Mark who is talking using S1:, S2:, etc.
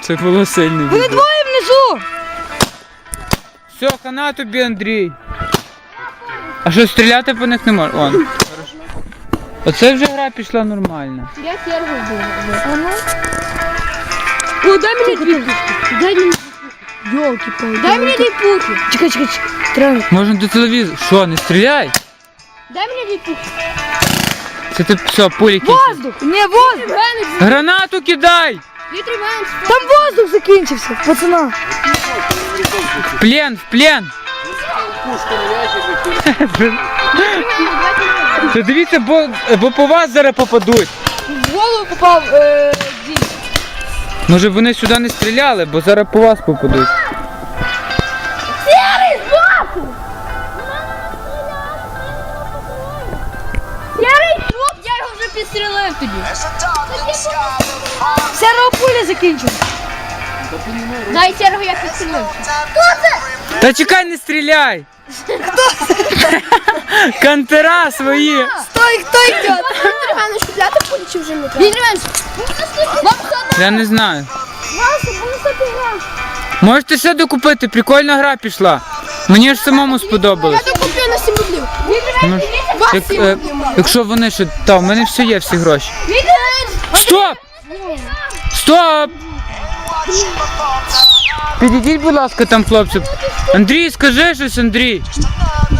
S1: Це було сильно.
S2: Вони двоє внизу!
S1: Все, хана тобі, Андрій. А що, стріляти по них не можна? Он. Оце вже гра пішла нормально.
S3: Я Сергу буду.
S2: О, дай мені дві пушки. Дай мені Ёлки-палки.
S3: Дай мені дві пухи.
S2: Чекай. Треба.
S1: Можна до телевізора. Що, не стріляй?
S3: Дай мені дві пухи.
S1: Це ти все, пуліки.
S2: Воздух! Не, воздух!
S1: Гранату кидай!
S3: Вітри менш.
S2: Там воздух закінчився, пацана.
S1: В плен, в плен! Та дивіться, бо по вас зараз попадуть.
S2: В голову попав дім.
S1: Може вони сюди не стріляли, бо зараз по вас попадуть.
S3: Сірий збоку! Сірий труп! Я його вже підстрілив тоді.
S2: Серого пуля закінчилась.
S3: Дай Сергу я підстрілив. Хто це?
S1: Та чекай, не стріляй! Кантера свої!
S2: Стой, хто йде?
S3: Вітри менш купляти пулі чи вже не треба? Вітри менш! Вам хана!
S1: Я не знаю.
S3: Вася, буду собі гра.
S1: Можете ще докупити, прикольна гра пішла. Мені ж самому сподобалось.
S3: Я докуплю на 7 рублів. Вітри
S1: Ну,
S3: менш! Вас
S1: як,
S3: 7 рублів.
S1: якщо вони ще... Та, в мене все є, всі гроші.
S3: Вітри менш!
S1: Стоп! Стоп! Підійдіть, будь ласка, там, хлопці. Андрій, скажи щось, Андрій.